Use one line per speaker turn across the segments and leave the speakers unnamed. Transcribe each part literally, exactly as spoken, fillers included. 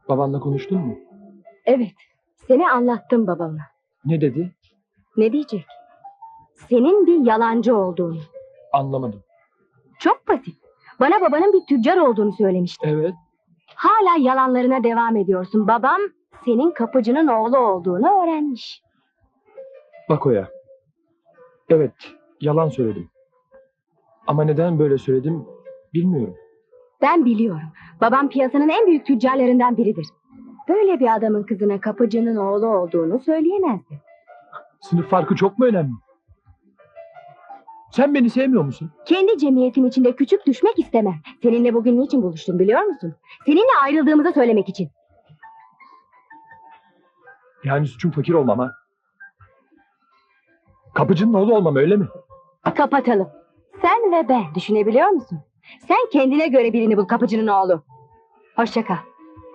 Babanla konuştun mu?
Evet, seni anlattım babama.
Ne dedi?
Ne diyecek? Senin bir yalancı olduğunu.
Anlamadım.
Çok basit. Bana babanın bir tüccar olduğunu söylemişti.
Evet.
Hala yalanlarına devam ediyorsun. Babam senin kapıcının oğlu olduğunu öğrenmiş.
Bak Oya. Evet, yalan söyledim. Ama neden böyle söyledim bilmiyorum.
Ben biliyorum. Babam piyasanın en büyük tüccarlarından biridir. Böyle bir adamın kızına kapıcının oğlu olduğunu söyleyemezdi.
Sınıf farkı çok mu önemli? Sen beni sevmiyor musun?
Kendi cemiyetim içinde küçük düşmek istemem. Seninle bugün niçin buluştum biliyor musun? Seninle ayrıldığımızı söylemek için.
Yani suçum fakir olmam ha? Kapıcının oğlu olmam öyle mi?
Kapatalım. Sen ve ben, düşünebiliyor musun? Sen kendine göre birini bul, kapıcının oğlu. Hoşça kal.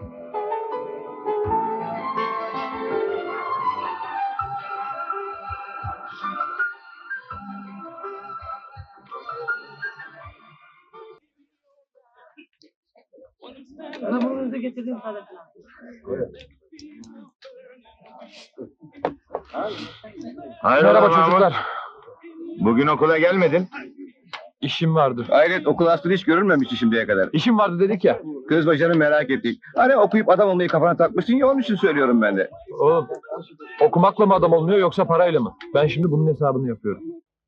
Hamurunuzu getirdim parasını.
Hayrola
Merhaba
Mahmut?
çocuklar.
Bugün okula gelmedin.
İşim vardı.
Hayret, okul aslında hiç görülmemişti şimdiye kadar.
İşim vardı dedik ya.
Kız başını merak ettik. Hani okuyup adam olmayı kafana takmışsın ya, onun için söylüyorum ben de.
Oğlum, okumakla mı adam olmuyor yoksa parayla mı? Ben şimdi bunun hesabını yapıyorum.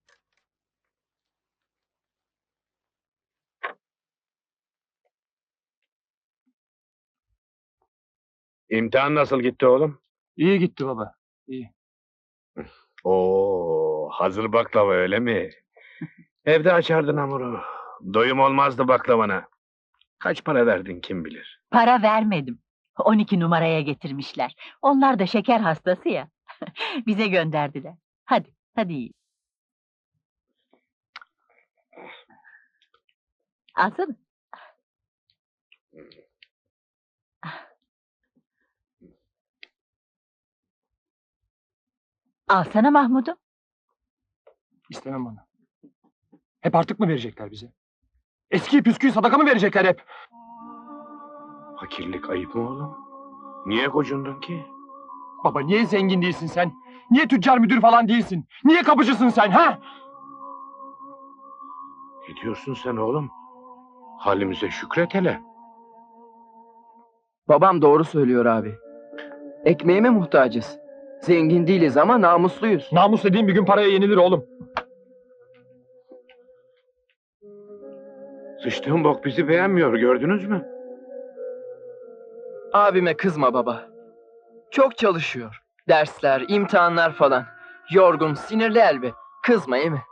İmtihan nasıl gitti oğlum?
İyi gitti baba. İyi.
Oo, hazır baklava öyle mi? Evde açardın hamuru. Doyum olmazdı baklavana. Kaç para verdin kim bilir?
Para vermedim. on iki numaraya getirmişler. Onlar da şeker hastası ya. Bize gönderdiler. Hadi, hadi yiyin. Alsana. Alsana Mahmud'um.
İstemem bana. Hep artık mı verecekler bize? Eski püskü sadaka mı verecekler hep?
Fakirlik ayıp mı oğlum? Niye gocundun ki?
Baba niye zengin değilsin sen? Niye tüccar müdür falan değilsin? Niye kapıcısın sen ha?
Ne diyorsun sen oğlum? Halimize şükret hele.
Babam doğru söylüyor abi. Ekmeğime muhtacız. Zengin değiliz ama namusluyuz.
Namus dediğin bir gün paraya yenilir oğlum.
Sıçtığın bok bizi beğenmiyor, gördünüz mü?
Abime kızma baba. Çok çalışıyor. Dersler, imtihanlar falan. Yorgun, sinirli elbet. Kızma iyi mi?